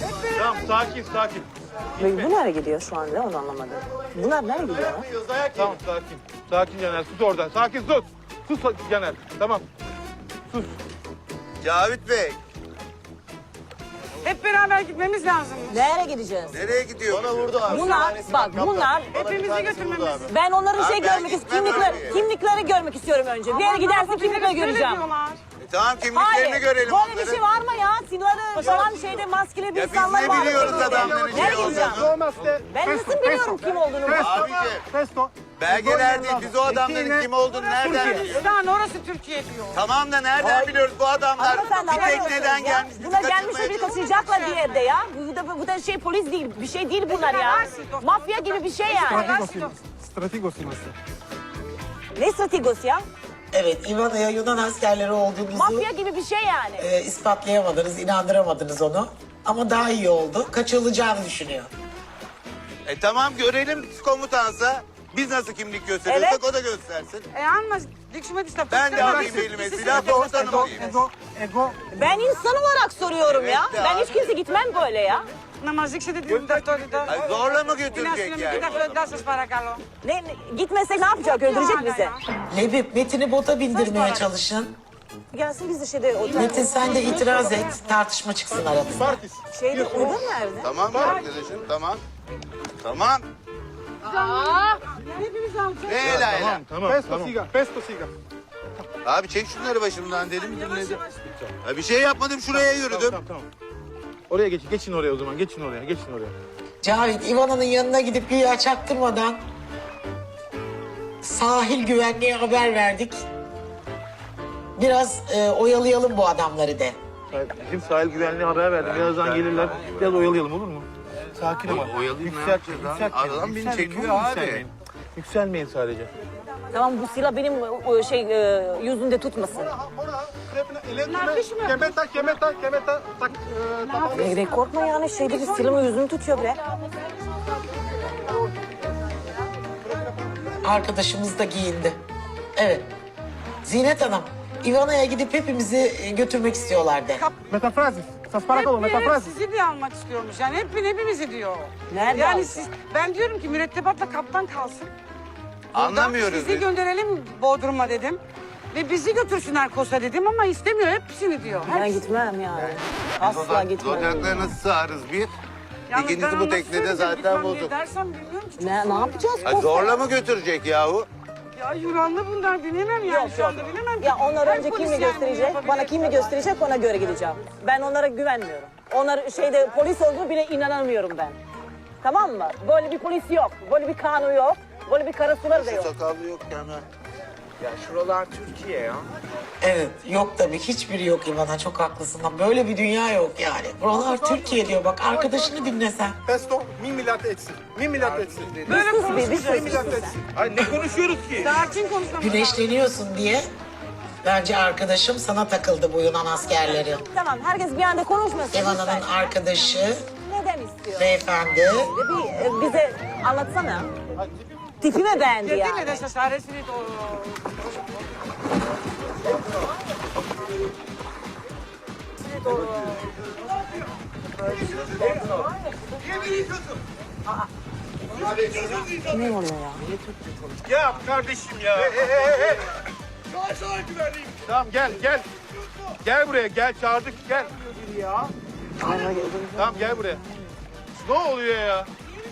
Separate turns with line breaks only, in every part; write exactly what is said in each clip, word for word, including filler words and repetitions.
Tamam sakin sakin.
Ve bu nereye gidiyor şu anda onu anlamadım. Bunlar nereye gidiyor?
Tamam sakin. Sakin Caner sus oradan. Sakin sus. Sus Caner. Tamam. Sus.
Cavit Bey,
Hep beraber gitmemiz lazım.
Nereye gideceğiz?
nereye gidiyor?
Bana vurdu abi.
Bunlar bak bunlar
Hepimizi götürmemiz.
ben onların şey
Abi ben
görmek
gitmem
istiyorum. Kimlikleri,
abi.
kimlikleri görmek istiyorum önce. Bir yere gidersin kimlikleri göreceğim.
E, tamam kimliklerini
Hayır.
görelim
Böyle
onların.
bir şey var mı ya? Silahı falan şeyde maskeli bir
Ya biz
insanlar
ne
var.
biliyoruz adamların
Nereye
şey
gideceğim?
olduğunu?
Ben nasıl biliyorum kim olduğunu?
Abiciğim,
Pesto.
belgeler değil, biz o adamların kim olduğunu nereden biliyoruz?
Yunanistan, orası Türkiye diyor.
Tamam da nereden biliyoruz bu adamlar
Hanımefendi,
bir
anlamıyorsunuz
tekneden
ya.
gelmiş, bizi
Buna gelmişler
kaçırmaya
bir
çalışıyor.
kaçıracaklar bir yerde ya. Bu da, bu da şey polis değil, bir şey değil bunlar ya. Mafya gibi bir şey yani.
Strategos nasıl?
Ne strategosu ya?
Evet, İvana'ya Yunan askerleri olduğunuzu
Mafya gibi bir şey yani.
e, ispatlayamadınız, inandıramadınız onu. Ama daha iyi oldu. Kaçırılacağını düşünüyor.
E tamam görelim komutansa. Biz nasıl kimlik gösteriyorsak
Evet.
o da göstersin.
E ama dikşime işte.
Ben de alayım elime silah komutanım diyeyim.
Ego.
Ben insan olarak soruyorum
Evet
ya.
de
Ben
abi.
hiç kimse gitmem böyle ya.
Namazlık şey dedim. Doktorda.
Ay, zorla mı götürecek yani?
Bir dakika daha söz parakalo.
Ne, ne- gitmesek ne yapacak? Öldürecek bizi.
Lebip, Metin'i bota bindirmeye çalışın.
Gelsin biz de şeyde otel.
Metin sen de itiraz et, tartışma çıksın aramızda.
Şeyde oda nerede?
Tamam arkadaşım tamam. Tamam.
Hepimiz alacağız.
Ne hele hele?
Tamam tamam. Pesto siga. Pesto siga.
Abi çek şunları başımdan dedim dinledim. Ya bir şey yapmadım şuraya yürüdüm.
Tamam tamam. Oraya geç, geçin oraya o zaman. Geçin oraya, geçin oraya.
Cavit, İvana'nın yanına gidip güya çaktırmadan sahil güvenliğe haber verdik. Biraz e, oyalayalım bu adamları de.
Bizim sahil güvenliğe haber verdim. Birazdan gelirler. Biraz oyalayalım olur mu? Sakin ol.
Oyalayayım ne
Yükselt,
yapacağız lan?
yükseltmeyin,
Adam beni
yükselmeyin,
çekiyor
oğlum,
abi.
Yükselmeyin. Yükselmeyin sadece.
Tamam bu silah benim o şey e, yüzünde tutmasın.
Kemeta, kemeta, kemeta. Tak,
Ne, ne korkma yani şeyde bir silahın yüzünü tutuyor bre.
Arkadaşımız da giyindi. Evet. Zinet Hanım, İvana'ya gidip hepimizi e, götürmek istiyorlar de.
Metafrazis. Sasparakolo,
Hep, hep
metafrazis.
sizi diye almak istiyormuş. Yani hep hepimizi diyor.
Nerede
Yani
alacak?
siz, ben diyorum ki mürettebatla kaptan kalsın.
Anlamıyoruz
Sizi
biz.
gönderelim Bodrum'a dedim. Ve bizi götürsünler Kosa dedim ama istemiyor. Hepsini diyor.
Ben
Hepsi.
gitmem yani. Asla gitmem.
Zodakları nasıl sağarız bir?
Yalnız ben
İkincisi bu
onu
teknede
nasıl
zaten
gitmem diye
bozuk.
dersem bilmiyorum ki.
Ne, ne yapacağız?
Ay, zorla mı götürecek yahu?
Ya Yunanlı bunlar bilemem yani.
Yok
Şu
yok.
anda bilemem.
Ya onlar
Her
önce
polis
kimi
yani bunu
gösterecek,
yapabilir.
bana kimi gösterecek ona göre gideceğim. Ben onlara güvenmiyorum. Onlar şeyde polis olduğunu bile inanamıyorum ben. Tamam mı? Böyle bir polis yok, böyle bir kanun yok, böyle bir karasular da yok.
Sakallı yok yani.
Ya şuralar Türkiye ya.
Evet, yok tabii hiçbiri yok İvana, çok haklısın. Böyle bir dünya yok yani. Buralar Türkiye diyor, bak arkadaşını dinlesen.
Pesto, mi milat etsin. Mi milat etsin.
Böyle
Sus bir, bir
konuşmayacağız.
sus, bir sus sen.
Ay ne konuşuyoruz ki?
Sakin konuşmamız lazım.
Güneşleniyorsun diye bence arkadaşım sana takıldı bu Yunan askerleri.
Tamam, herkes bir anda konuşmasın.
İvana'nın
lütfen.
arkadaşı,
Neden istiyor?
beyefendi.
Bir e, bize anlatsana. Tipime beğendi
Dedin
yani.
mi de cesaretini doğru.
Ne oluyor ya?
Ya kardeşim ya. Hey, hey, hey, hey. Tamam gel gel. Gel buraya gel çağırdık gel. Ya. Tamam gel buraya. Ne oluyor ya?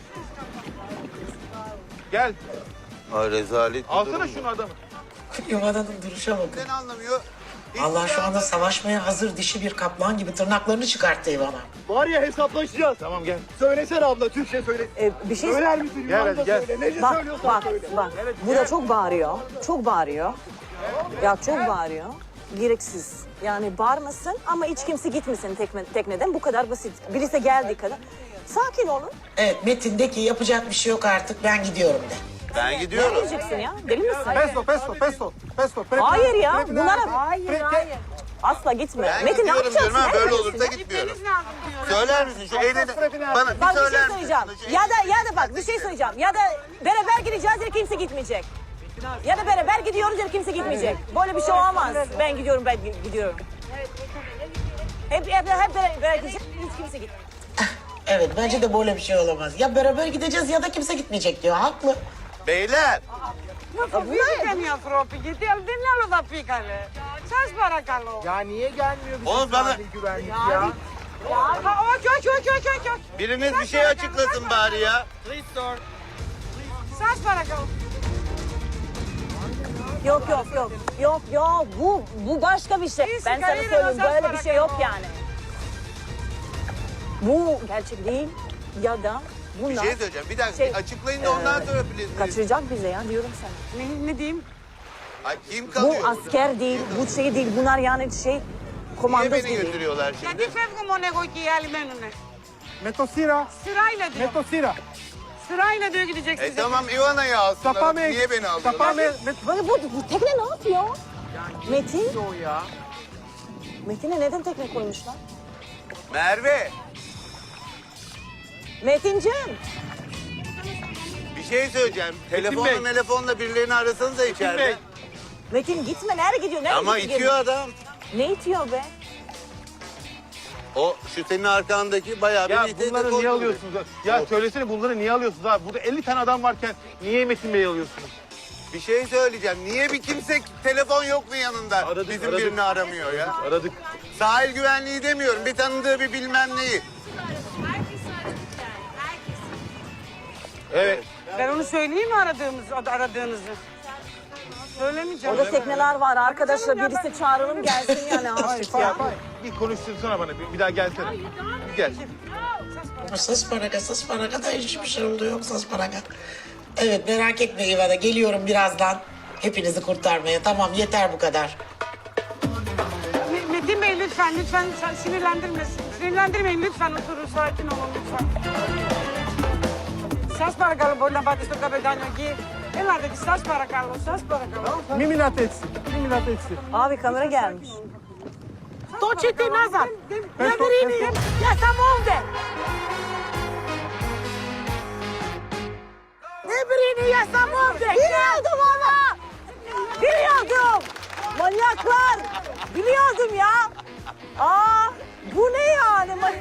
Gel.
Ay rezalet bir
Alsana
durum
şunu
bu.
adamı.
İvana'nın duruşa bakın.
Neden anlamıyor? Hiç
Allah şu
şey
anda
anlamıyor.
savaşmaya hazır dişi bir kaplan gibi tırnaklarını çıkarttı İvana.
Var ya hesaplaşacağız.
Tamam gel.
Söylesene abla Türkçe söyle.
E, bir şey
Söyler misin
Gel
Yunan'da
hadi, gel.
söyle. Nece
Bak
söylüyorsan
bak
söyle.
bak. Bu da çok bağırıyor. Çok bağırıyor. Ya çok bağırıyor. Gereksiz. Yani bağırmasın ama hiç kimse gitmesin tekne, tekneden. Bu kadar basit. Birisi geldiği kadar. Sakin olun.
Evet, Metin de ki yapacak bir şey yok artık, ben gidiyorum de.
Ben
Ne
gidiyorum.
diyeceksin ya? Deli misin?
Pesto pesto pesto. Pesto.
Hayır ya. Bunlara... Hayır hayır. Asla gitme.
Ben
Metin ne
gidiyorum
yapacaksın?
diyorum ha böyle
Nereye
olursa
gidiyorsun?
gitmiyorum.
Gitmeniz lazım diyor.
Söyler misin şu elini? Bana bir
Bak bir
söyler
şey
misin?
söyleyeceğim.
Şey-
Ya da ya da bak bir şey söyleyeceğim. Ya da beraber gideceğiz ya kimse gitmeyecek. Ya da beraber gidiyoruz ya kimse gitmeyecek. Böyle bir şey olmaz. Ben gidiyorum ben gidiyorum. Hep, hep, hep beraber gidecek. Hiç kimse git.
Evet bence de böyle bir şey olamaz. Ya beraber gideceğiz ya da kimse gitmeyecek diyor. Haklı.
Beyler.
Nasıl fizikten ya Fropi? Gitti dinle da pikale. Σας παρακαλώ.
Ya niye gelmiyor bizim
Oğlum bana-
sahil güvenlik ya?
Ha, ok, ok, ok, ok, ok, ok.
Biriniz bir şey açıklasın bari ya.
Σας παρακαλώ.
Yok yok yok. Yok yok bu bu başka bir şey.
İyisi,
Ben sana
kariyeri
söyleyeyim
nasıl
böyle bir şey yok
bırakıyor?
yani. Bu gerçek değil ya da
Bir
bunlar
şey söyleyeceğim. Bir dakika
Şey,
açıklayın da ondan sonra please.
kaçıracak bize ya diyorum sana.
Ne, ne diyeyim?
Ay kim
Bu
kalıyor burada?
asker değil, bu şey değil. Bunlar yani şey
Niye
komandos
beni
gibi.
götürüyorlar
Γιατί
şimdi?
φεύγω μόνο εγώ και οι άλλοι μένουνε.
Με το σύρα,
Sırayla diyor.
με το σύρα.
Sırayla diyor gideceksiniz.
E tamam Ivana'yı alsınlar.
Sapa me,
Niye beni
sapa
alıyorlar?
me, με
Böyle bu, bu tekne ne yapıyor? Metin,
o ya.
Metin'e neden tekne koymuşlar?
Merve
Metinciğim,
bir şey söyleyeceğim. Telefonla
Bey.
telefonla birilerini arasanız da içeride.
Bey.
Metin gitme. Nereye gidiyor? Nereye
Ama
gidiyor?
itiyor adam.
Ne itiyor be?
O şu senin arkandaki bayağı bir
Ya
nitelik
bunları niye
oluyor.
alıyorsunuz? Ya söylesene bunları niye alıyorsunuz abi? Burada elli tane adam varken niye Metin Bey'i alıyorsunuz?
Bir şey söyleyeceğim. Niye bir kimse telefon yok mu yanında?
Aradık,
Bizim
aradık.
birini aramıyor ya.
Aradık.
Sahil güvenliği demiyorum. Bir tanıdığı bir bilmem neyi.
Evet.
Ben onu söyleyeyim mi aradığımız, aradığınızı? Söylemeyeceğim.
Orada tekneler var arkadaşlar. Birisi çağıralım gelsin yani artık ya.
Bir konuştursana bana. Bir, bir daha gelsene. Gel.
Sus paraga, sus paraga da hiçbir şey oldu yok sus paraga. Evet merak etme Ivana geliyorum birazdan. Hepinizi kurtarmaya. Tamam yeter bu kadar.
Me- Metin Bey lütfen, lütfen sinirlendirmesin. Sinirlendirmeyin lütfen, oturun, sakin olun lütfen. Σας παρακαλώ, μπορεί να πάτε στο καπετάνιο εκεί. Ελάτε εκεί, σας παρακαλώ, σας παρακαλώ.
Μη μιλάτε έτσι, μη μιλάτε έτσι.
Abi kamera gelmiş.
Το τσίτι назад. Не бери, я сам овде. Ne birini ya sam ovde.
Biliyordum ama. Biliyordum. Manyaklar. Biliyordum ya. Aa, bu ne yani? Man-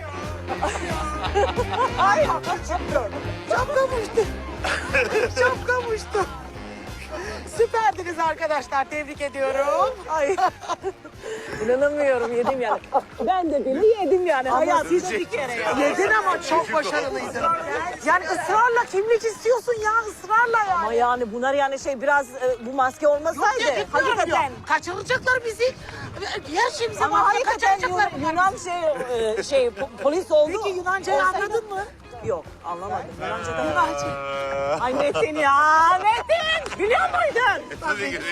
Ay,
Şapkam uçtu. Şapkam uçtu. Süperdiniz arkadaşlar. Tebrik ediyorum.
ay. İnanamıyorum yedim yani. Ben de beni yedim yani. Hayatımda bir kere ya.
Yedin ama çok başarılıydın. Yani ısrarla kimlik istiyorsun ya ısrarla yani.
Ama yani bunlar yani şey biraz e, bu maske olmasaydı. Hakikaten.
Kaçıracaklar bizi. Her şeyimize
Ama
bağlı
hakikaten
kaçıracaklar.
Yunan, Yunan şey, e, şey po- polis oldu.
Peki Yunanca'yı
Olsaydı-
anladın mı?
Yok anlamadım. Yunanca'dan Yunancı. Ay Metin ya Metin. Biliyor muydun?
Tabii ki.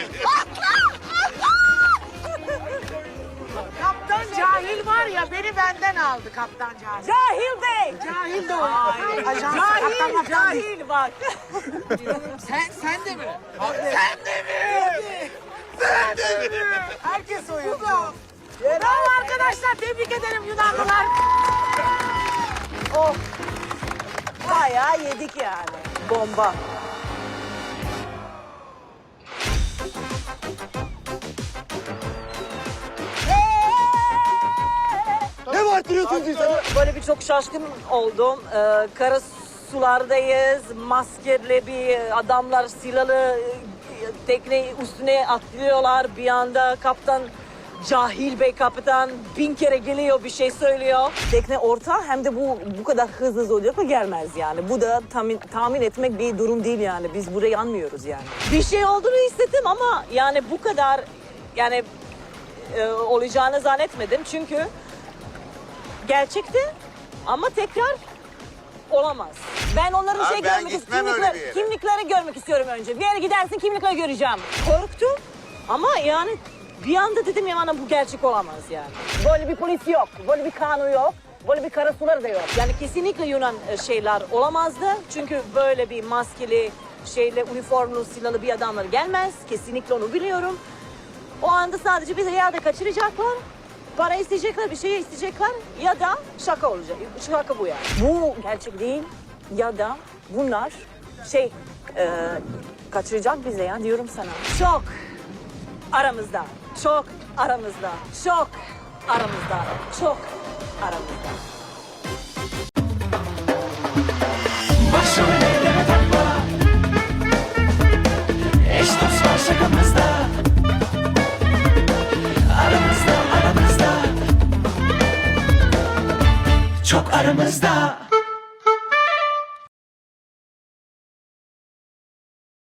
Kaptan Cahil var ya beni benden aldı Kaptan Cahil.
Cahil Bey.
Cahil de o.
Ay,
Ajans,
cahil,
kaptan, kaptan değil.
cahil bak.
Sen, sen de mi? Sen de mi? Sen de mi? Herkes oyuncu. Bravo arkadaşlar tebrik ederim Yunanlılar.
Oh. Bayağı yedik yani. Bomba.
Ne bağırtırıyorsunuz insanı?
Böyle bir çok şaşkın oldum. Ee, kara sulardayız. Maskeli bir adamlar silahlı e, tekne üstüne atlıyorlar. Bir anda kaptan Cahil Bey kaptan bin kere geliyor bir şey söylüyor. Tekne orta hem de bu bu kadar hızlı zodiyakla gelmez yani. Bu da tahmin, tahmin etmek bir durum değil yani. Biz burayı anmıyoruz yani. Bir şey olduğunu hissettim ama yani bu kadar yani e, olacağını zannetmedim. Çünkü gerçekti ama tekrar olamaz. Ben onların
Abi
şey
ben
görmek
gitmem
istiyorum.
öyle bir yere.
Kimlikleri görmek istiyorum önce. Bir yere gidersin kimlikleri göreceğim. Korktum ama yani bir anda dedim ya bana bu gerçek olamaz yani. Böyle bir polis yok, böyle bir kanun yok, böyle bir karasular da yok. Yani kesinlikle Yunan e, şeyler olamazdı. Çünkü böyle bir maskeli şeyle üniformlu silahlı bir adamlar gelmez. Kesinlikle onu biliyorum. O anda sadece bizi yerde kaçıracaklar. Para isteyecekler, bir şey isteyecekler ya da şaka olacak. Şaka bu yani. Bu gerçek değil ya da bunlar şey e, kaçıracak bize ya diyorum sana. Çok aramızda, çok aramızda, çok aramızda. Çok aramızda.
Başrol eyleme takma. Eş dost var şakamızda. Aramızda aramızda. Çok aramızda.